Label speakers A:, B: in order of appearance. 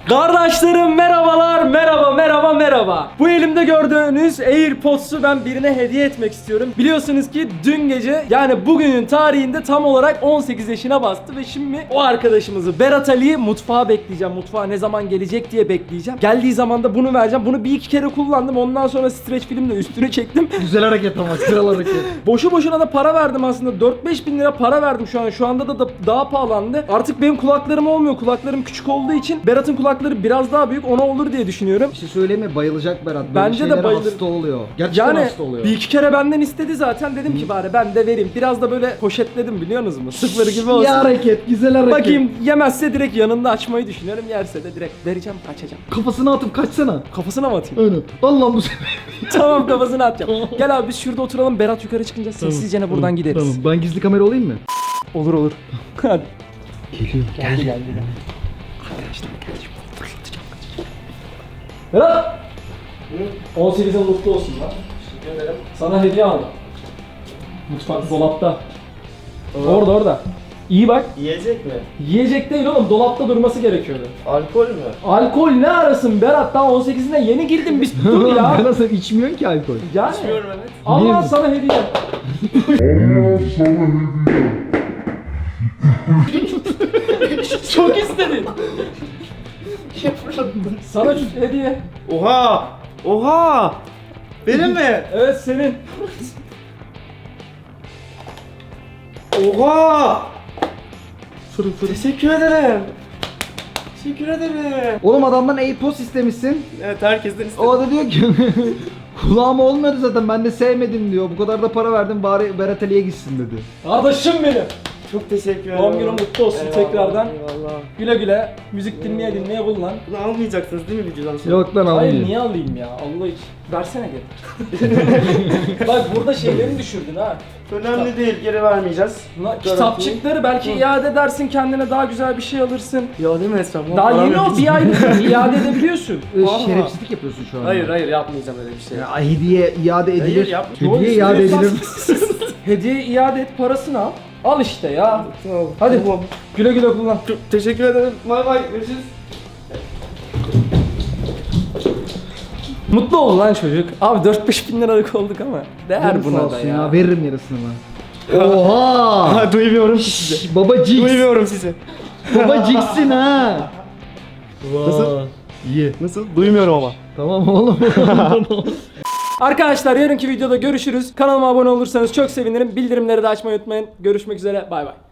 A: Kardeşlerim merhabalar, merhaba. Bu elimde gördüğünüz AirPods'u ben birine hediye etmek istiyorum. Biliyorsunuz ki dün gece, yani bugünün tarihinde tam olarak 18 yaşına bastı ve şimdi o arkadaşımızı Berat Ali'yi mutfağa bekleyeceğim. Mutfağa ne zaman gelecek diye bekleyeceğim. Geldiği zaman da bunu vereceğim. Bunu bir iki kere kullandım. Ondan sonra streç filmle üstüne çektim.
B: Güzel hareket ama, kral hareket.
A: Boşu boşuna da para verdim aslında. 4-5 bin lira para verdim şu an. Şu anda da daha pahalandı. Artık benim kulaklarım olmuyor. Kulaklarım küçük olduğu için Berat'ın kulakları biraz daha büyük. Ona olur diye düşünüyorum.
B: Bir şey söyleyeyim mi? Bayılacak Berat. Böyle
A: Bence de
B: şeylere
A: bayılır.
B: hasta oluyor. Gerçekten
A: Yani
B: hasta oluyor.
A: bir iki kere benden istedi zaten. Dedim ki bari ben de vereyim. Biraz da böyle poşetledim, biliyorsunuz mu? Sıfır gibi olsun.
B: İyi hareket, güzel hareket.
A: Bakayım, yemezse direkt yanında açmayı düşünüyorum. Yerse de direkt vereceğim, açacağım.
B: Kafasına atıp kaçsana.
A: Kafasına mı atayım?
B: Öyle. Allah'ım bu sefer.
A: Tamam, kafasına atacağım. Gel abi biz şurada oturalım. Berat yukarı çıkınca sessizce buradan gideriz.
B: Tamam. Ben gizli kamera olayım mı?
A: Olur. Hadi.
B: Geliyor.
A: Geldi. Arkadaşlar geldi. Fırlatacağım. Berat! 18'e mutlu olsun lan. Teşekkür ederim. Sana hediye aldım. Mutfak dolapta. Orada. İyi bak.
C: Yiyecek mi?
A: Yiyecek değil oğlum, dolapta durması gerekiyordu.
C: Alkol mü?
A: Alkol ne arasın Berat, daha 18'ine yeni girdim biz, dur ya.
B: Ben nasıl içmiyorsun ki alkol?
A: Yani.
C: İçmiyorum, evet.
A: Allah
B: Niye?
A: sana hediye. Çok istedin. Sana şu hediye.
C: Oha! Benim mi?
A: Evet, senin.
C: Oha! Teşekkür ederim. Teşekkür ederim.
B: Oğlum adamdan AirPods istemişsin.
C: Evet, herkesten istedim.
B: O da diyor ki kulağıma olmadı zaten, ben de sevmedim diyor. Bu kadar da para verdim, bari Berat Ali'ye gitsin dedi.
A: Kardeşim benim.
C: Çok teşekkür ederim.
A: Doğum günün mutlu olsun tekrardan.
C: Eyvallah.
A: Güle güle. Müzik dinleye kullan.
C: Bunu almayacaksınız değil mi videodan sonra?
B: Yok lan
A: Hayır,
B: almayayım.
A: niye alayım ya? Allah için. Versene geri. Bak burada şeylerini düşürdün ha.
C: Önemli değil, geri vermeyeceğiz.
A: Kitapçıkları belki iade edersin, kendine daha güzel bir şey alırsın.
C: Ya değil mi Esra?
A: Daha yeni o, bir aylık iade edebiliyorsun.
C: Vallahi.
B: Şerefsizlik yapıyorsun şu an.
C: Hayır, yapmayacağım öyle bir şey.
B: Ya hediye iade edilir.
C: Hayır, yapma.
B: Hediye iade edilir.
A: Hediye iade et, parasını al. Al işte ya.
C: Tamam.
A: Hadi.
C: Tamam.
A: Güle güle kullan.
C: Çok teşekkür ederim. Bay bay. Görüşürüz.
A: Mutlu ol lan çocuk. Abi 4-5 bin liralık olduk ama değer
B: Canım sağ
A: buna da
B: olsun
A: ya.
B: Veririm yarısını ben. Oha!
C: Duymuyorum sizi.
B: Baba Jigs.
C: Duymuyorum sizi.
B: Baba Jigs'in ha.
C: Nasıl?
B: İyi.
C: Nasıl? Duymuyorum ama.
B: Tamam oğlum.
A: Arkadaşlar yarınki videoda görüşürüz. Kanalıma abone olursanız çok sevinirim. Bildirimleri de açmayı unutmayın. Görüşmek üzere. Bay bay.